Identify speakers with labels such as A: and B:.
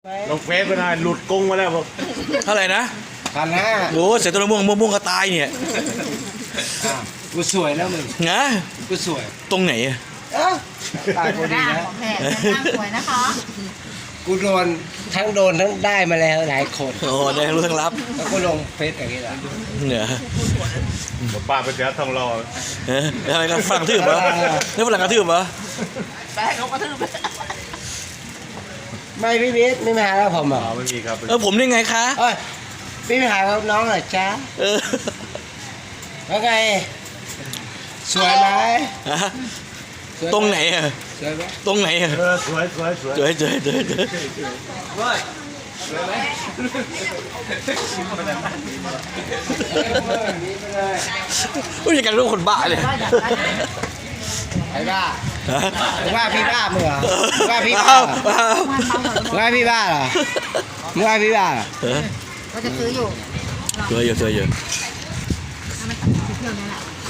A: ลงเฟซไปหน่อยหลุดกงมาแล้วบอก
B: เท่าไหร่นะ
C: 1,500
B: โอ้เสร็จตัวม่วงก็ตายเนี่ย
C: กูสวยแล้วมึง
B: นะ
C: กูสวย
B: ตรงไหนอะ
C: ตายกูดี
D: หน้า
C: นะ
D: ของแพรหน้าสวยนะคะ
C: กูโดนทั้งได้มาแล้วหลายคน
B: โอ้ได้รู้ทั้งรับ
C: แล้วก็ลงเฟซอย่างนี้แหละ
B: เนี่ย
A: บอกป้าไปเจอทองรอ
B: อะไรกันฝรั่งกระทืบเหรอนี่ฝรั่งกระทืบเหรอ
D: แป้งเขากระทืบ
C: ไม่พี่วิทย์ไม่มาหาแล้วผมเหรอ
A: ไม่มีครับ
B: ผมได้ไงคะ
C: เอ้ยพี่ไปหากับน้องเหรอจ๊ะ
B: เออ
C: แล้วไงสวยไหม
B: ฮะ
C: สวย
B: ตรงไหนอะ
C: สวยไหม
B: ตรงไหนอะ
A: สวย
B: เจออุ้ยอย่างกันรู้คนบ้าเลย
C: ไอ้บ้า
B: ฮะ
C: มึงว่าพี่บ้ามึงเหรอมึงว่าพี่บ้า
B: อ้าว
C: เหรอ
B: อ้าว
C: มึงว่าพี่บ้าเหรอมึงว่าพี่บ้าเหรอ
B: เออ
D: ก็จะซื้ออยู่
B: เจอเยอะ
D: ถ้ามันตัดสินเที่ยวนี้แหละ